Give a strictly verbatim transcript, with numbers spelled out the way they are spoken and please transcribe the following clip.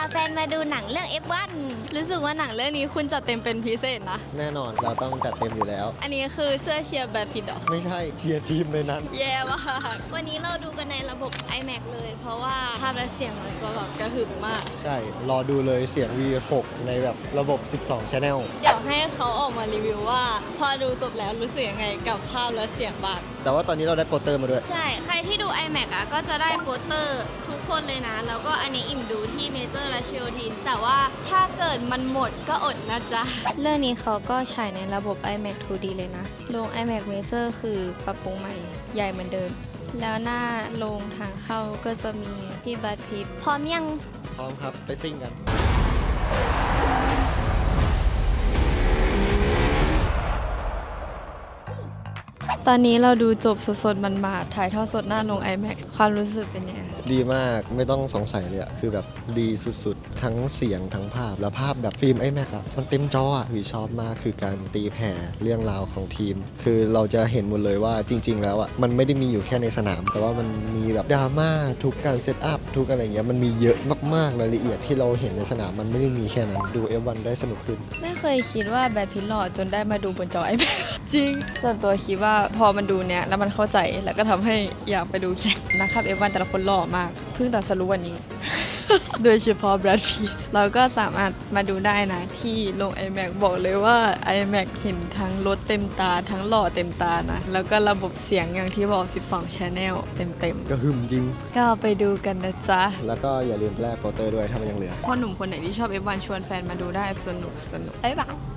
แฟนมาดูหนังเรื่อง เอฟ วัน รู้สึกว่าหนังเรื่องนี้คุณจัดเต็มเป็นพิเศษนะแน่นอนเราต้องจัดเต็มอยู่แล้วอันนี้คือเสื้อเชียร์แบทพิทเหรอไม่ใช่เชียร์ทีมในนั้นแย่มากวันนี้เราดูกันในระบบ ไอแม็กซ์ เลย เพราะว่าภาพและเสียงมันจะแบบกระหึ่มมากใช่รอดูเลยเสียง วี หก ในแบบระบบ สิบสอง Channel เดี๋ยวให้เขาออกมารีวิวว่า พอดูจบแล้วรู้สึกยังไงกับภาพและเสียงบ้างแต่ว่าตอนนี้เราได้โปสเตอร์มาด้วยใช่ใครที่ดู ไอแม็กซ์ อ่ะก็จะได้โปสเตอร์ทุกคนเลยนะแล้วก็อันนี้อิ่มดูที่เมเจอร์และเชลทินแต่ว่าถ้าเกิดมันหมดก็อดนะจ๊ะเรื่องนี้เขาก็ฉายในระบบ ไอแม็กซ์ ทู ดี เลยนะโรง ไอแม็กซ์ Major คือปรับปรุงใหม่ใหญ่เหมือนเดิมแล้วหน้าโรงทางเข้าก็จะมีพี่แบทพิทพร้อมยังพร้อมครับไปซิ่งกันตอนนี้เราดูจบสดๆมันมาถ่ายทอดสดหน้าโรง ไอแม็กซ์ ความรู้สึกเป็นยังไงดีมากไม่ต้องสงสัยเลยอะคือแบบดีสุดๆทั้งเสียงทั้งภาพแล้วภาพแบบฟิล์ม ไอแม็กซ์ อะมันเต็มจออะคือชอบมากคือการตีแผ่เรื่องราวของทีมคือเราจะเห็นหมดเลยว่าจริงๆแล้วอะมันไม่ได้มีอยู่แค่ในสนามแต่ว่ามันมีแบบดราม่าทุกการเซตอัพทุกอะไรเงี้ยมันมีเยอะมากๆรายละเอียดที่เราเห็นในสนามมันไม่ได้มีแค่นั้นดู เอฟ วัน ได้สนุกขึ้นไม่เคยคิดว่าแบทพิทหล่อจนได้มาดูบนจอ ไอแม็กซ์ จริงส่วนตัวคิดว่าพอมันดูเนี้ยแล้วมันเข้าใจแล้วก็ทำให้อยากไปดูแข่งนะครับ เอฟ วัน แต่ละคนหล่อมากเพิ่งตัดสรุปวันนี้ โดยเฉพาะแบทพิทเราก็สามารถมาดูได้นะที่โรง ไอแม็กซ์ บอกเลยว่า ไอแม็กซ์ เห็นทั้งรถเต็มตาทั้งหล่อเต็มตานะแล้วก็ระบบเสียงอย่างที่บอก สิบสอง Channel เต็มๆก็หึมจริงก็ไปดูกันนะจ๊ะแล้วก็อย่าลืมแลกโปสเตอร์ด้วยถ้ามันยังเหลือพ่อหนุ่มคนไหนที่ชอบ เอฟ วัน ชวนแฟนมาดูได้สนุกสนุกบ๊ายบาย